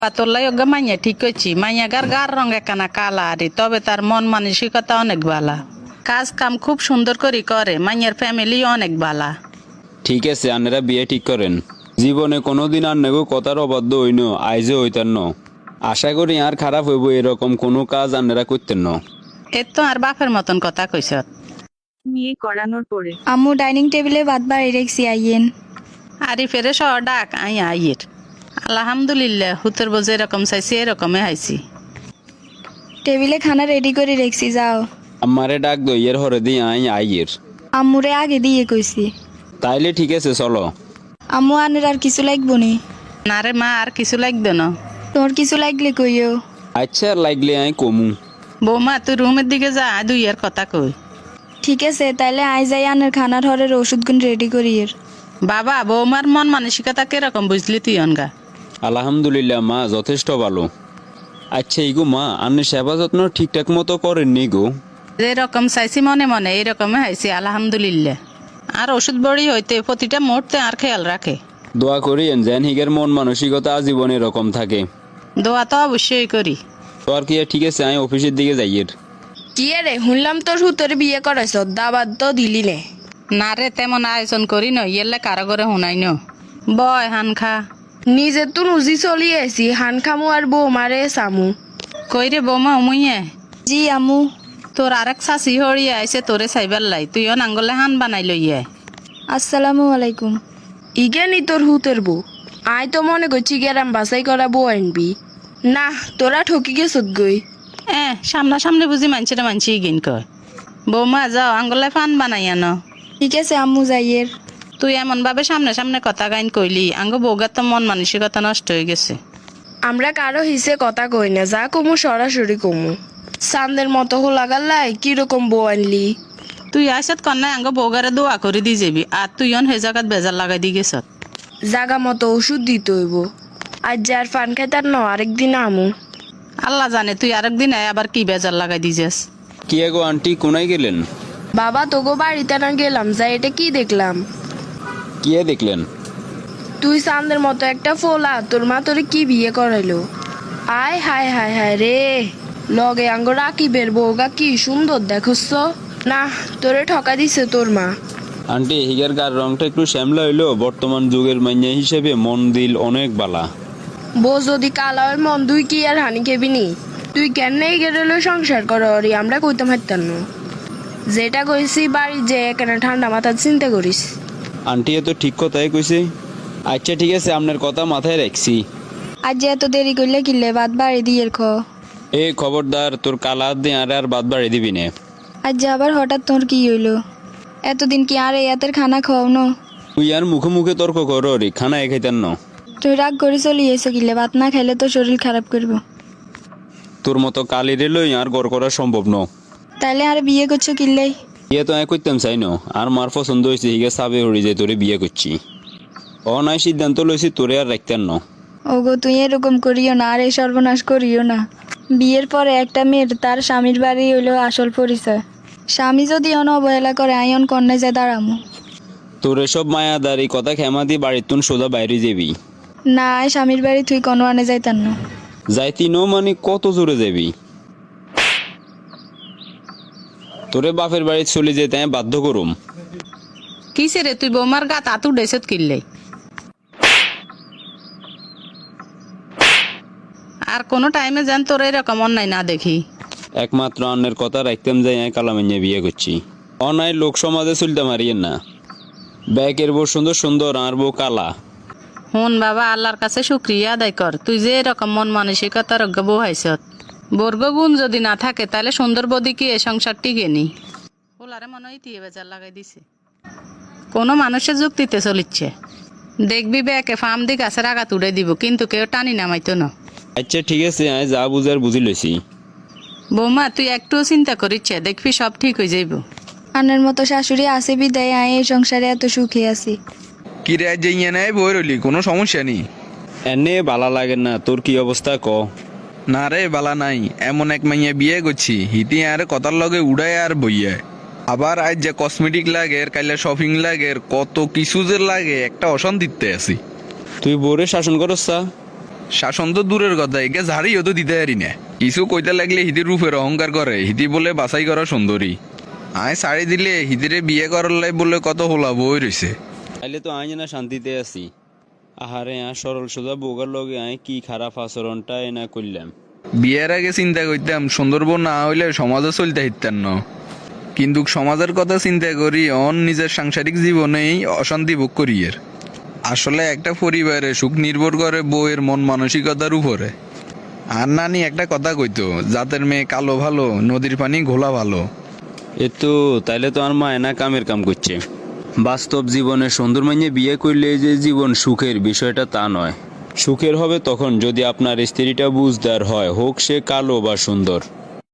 পাতলাই ওগা মাইয়া ঠিক কইছি, মাইয়া গার রঙ একখানা কালা আরে, তবে তার মন মানসিকতা অনেক ভালা। কাজ কাম খুব সুন্দর করে করে, মাইয়ার ফ্যামিলি অনেক ভালা। ঠিক আছে, আন্নারা বিয়ে ঠিক করেন। জীবনে কোনোদিন আন্নাগো কথার অবাধ্য হইন, আইজে হইতেন ন। আশা করি আর খারাপ হইব এরকম কোনো কাজ আন্নারা করতেন ন। এর তো আর বাপের মতন কথা কইস। বিয়ে করানোর পরে আম্মু ডাইনিং টেবিলে ভাত বাড়ি রেখছি, আইয়েন। আরি ফেরে সহ ডাক আই আইয়ের। আলহামদুলিল্লাহ, হুতর বোঝে এরকম চাইছি এরকমে হাইছি। টেবিলে খানা রেডি করে রেখছি, যাও। আমারে ডাক দইয়ের হরে দি আই আইয়ের। আম্মুরে আগে দিয়ে কইছি। তাইলে ঠিক আছে, চলো। আম্মু আনের আর কিছু লাগবো নি? না রে মা, আর কিছু লাগবে না। তোর কিছু লাগলে কইও। আচ্ছা, লাগলে আই কমু। বৌমা তুই রুমের দিকে যা, দুইয়ের কথা কই। ঠিক আছে, তাইলে আই যাই আনের খানার হরের ওষুধগুন রেডি করি এর। বাবা, বৌমার মন মানসিকতা কিরকম বুঝলি তুই অনগা? আলহামদুলিল্লাহ মা, যথেষ্ট ভালো। আচ্ছা ইগো মা, আন্নের সেবা যত্ন ঠিকঠাক মতো করেননি গো? যেরকম চাইছি মনে মনে এইরকমে হাইছি আলহামদুলিল্লাহ। আর ওষুধ বড়ি হইতে প্রতিটা মুহূর্তে আর খেয়াল রাখে। দোয়া করিয়েন যেন হিগের মন মানসিকতা আজীবন এরকম থাকে। দোয়া তো অবশ্যই করি। তো আর কি, ঠিক আছে, আমি অফিসের দিকে যাইয়ের। কি রে, শুনলাম তোর হুতোর বিয়ে করাইছ, দাবাত তো দিলি নে। না রে, তেমন আয়োজন করি ন, ইয়েলে কারো করে শুনাই ন। বয় হান খা। নিজে তো নুজি চলি আছি, হান খামু আর বউ মারে চামু। কই রে বৌমা উমুইয়ে, জি আম্মু। তোর আরেক শাশি হরিয়ে আইসে তোরে চাইবার লাই, তুইও নাঙ্গলে হান বানাই লইয়ে। আসসালামু আলাইকুম। ইগে নি তোর হুতের বউ? আই তো মনে করছি গেরাম বাছাই করা বউ আনবি। না, তোরা ঠকি গেছত গই। সামনাসামনি বুঝি মানছিটা মানছি গিন কয়। বৌমা যাও, আঙ্গলে ফান বানাই আনো। ঠিক আছে আম্মু, যাইয়ের। তুই এমন ভাবে সামনে সামনে কথা গাইন কইলি, আঙ্গ বৌগার তো মন মানসিকতা নষ্ট হয়ে গেছে। আমরা কারো হিসে কথা কই না, যা কমু সরাসরি কমু। চান্দের মতো হোলাগার লাই কিরকম বউ আনলি? তুই আইসত কন্যায় আঙ্গ বৌগারে দোয়া করে দি যাবি, আর তুই অন হে জায়গাত বেজার লাগাই দি গেছ। জাগা মতো ওষুধ দিতে হইব। আজ যার ফান খাইতার ন, আরেকদিন আমু। আল্লাহ জানে তুই আরেকদিন আবার কি বেজার লাগাই দিছিস। কি গো আন্টি, কোনায় গেলেন? বাবা তোগো বাড়িতে না গেলাম, যা এটা কি দেখলাম? কি দেখলেন? তুই চাঁদের মতো একটা ফোলা, তোর মা তোরে কি বিয়ে করাইলো? আয় হায় হায় হায় রে, লগে আঙ্গ রাকিবের বউগা কি সুন্দর দেখছ না? তোরে ঠকা দিছে তোর মা। আন্টি, হিগার গার রংটা একটু শ্যামলা হইলো, বর্তমান যুগের মাইয়া হিসেবে মন দিল অনেক বালা। বউ যদি কালা হয় মন, তুই কি আর হানি খেবি নি? তুই কেন এই গেলে সংসার কর, আমরা কইতাম হাইতাম না। যেটা কইছি বাড়ি যে কেন ঠান্ডা মাথা চিন্তা করিস। আন্টি এ তো ঠিক কথাই কইছে। আচ্ছা ঠিক আছে, আপনার কথা মাথায় রাখছি। আজ যে এত দেরি করলে কিনলে ভাত বাড়ি দিয়ে খ। এ খবরদার, তোর কালা দিয়ে আর বাদ বাড়ি দিবি না। আজ যে আবার হঠাৎ তোর কি হইলো? এতদিন কি আর এতের খানা খাও ন? তুই আর মুখে মুখে তর্ক কর রে, খানা এ খাইতেন না। তুই রাগ করে চলি এসে কিনলে, ভাত না খাইলে তো শরীর খারাপ করবো। তোর মতো কালিরে লই আর গড় করা সম্ভব ন। তাইলে আর বিয়ে করছো কিনলেই? বিয়ে তো আমি করতাম চাই ন, আর মার পছন্দ হয়েছে হিগে সাবে হরি যে তোরে বিয়ে করছি। নাই সিদ্ধান্ত লইছি তোরে আর রাখতেন না। ওগো তুই এরকম করিও না, আর এই সর্বনাশ করিও না। বিয়ের পরে একটা মেয়ের তার স্বামীর বাড়ি হইলো আসল পরিচয়। স্বামী যদি অন অবহেলা করে, আইন কন্যায় যায় দাঁড়ামো। তোর এসব মায়াদারি কথা খেমা দিয়ে বাড়ির তুন সোজা বাইরে যাবি। না, স্বামীর বাড়ি তুই কোনো আনে যাইতান না। যাইতি নো মানে কত জোরে যাবি? তোরে বাপের বাড়ি চলে যেতে আমি বাধ্য করুম। কিসে রে, তুই বৌমার গাত আতু ডেসত কিনলে? আর কোনো টাইমে যেন তোর এরকম অন্যায় না দেখি। একমাত্র অন্যের কথা রাখতাম যাই আমি কালামাইয়া বিয়ে করছি। অনায় লোক সমাজে চলতে মারিয়েন না। ব্যাকের বউ সুন্দর সুন্দর, আর বউ কালা। হন বাবা, আল্লাহর কাছে শুক্রিয়া আদায় কর, তুই যে এরকম মন মানসিকতার বউ হাইছত। বর্গ গুণ যদি না থাকে তাহলে সুন্দর বদি কি এ সংসার টিকে নি? ওলারে মনে হয় তিয়ে বেজার লাগাই দিছে। কোনো মানুষের যুক্তিতে চলিচ্ছে। দেখবি ব্যাকে ফার্ম দি গাছের আগা তুলে দিব, কিন্তু কেউ টানি নামাইতো না। আচ্ছা ঠিক আছে, আমি যা বুঝার বুঝি লইছি। বৌমা তুই একটুও চিন্তা করিচ্ছে, দেখবি সব ঠিক হয়ে যাইব। আনের মতো শাশুড়ি আছে বিদায় আয় এই সংসারে এত সুখে আছি। কি রে, যে ইয়ে নেয় বই রইলি, কোনো সমস্যা নেই? এনে বালা লাগে না, তোর কি অবস্থা ক? না রে, বালা নাই। এমন এক মাইয়া বিয়ে করছি, হিতি আর কথার লগে উড়ায় আর বইয়া। আবার আজ যে কসমেটিক লাগে, কাইলে শপিং লাগে, কত কিছু যে লাগে, একটা অশান্তিতে আছি। তুই বোরে শাসন করস? শাসন তো দূরের কথা, একে ঝাড়িও তো দিতে পারি না। কিছু কইতে লাগলে হিতির রূপের অহংকার করে, হিতি বলে বাছাই করা সুন্দরী। আয় শাড়ি দিলে হিতিরে বিয়ে করার লাই বলে কত হোলা বই রয়েছে। তাইলে তো আই না শান্তিতে আছি। আহারে সরল সোজা বউগার লগে আয় কি খারাপ আচরণটা না করলাম। বিয়ের আগে চিন্তা করতাম সুন্দর বউ না হইলে সমাজে চলতে হিতাম না, কিন্তু সমাজের কথা চিন্তা করি নিজের সাংসারিক জীবনেই অশান্তি ভোগ করি। এর আসলে একটা পরিবারে সুখ নির্ভর করে বউয়ের মন মানসিকতার উপরে। আর নানি একটা কথা কইতো, জাতের মেয়ে কালো ভালো, নদীর পানি ঘোলা ভালো। তাইলে তো আর মা এনা কামের কাম করছে। বাস্তব জীবনে সুন্দর মাইনে বিয়ে করলে যে জীবন সুখের বিষয়টা তা নয়। সুখের হবে তখন যদি আপনার স্ত্রীটা বুঝদার হয়, হোক সে কালো বা সুন্দর।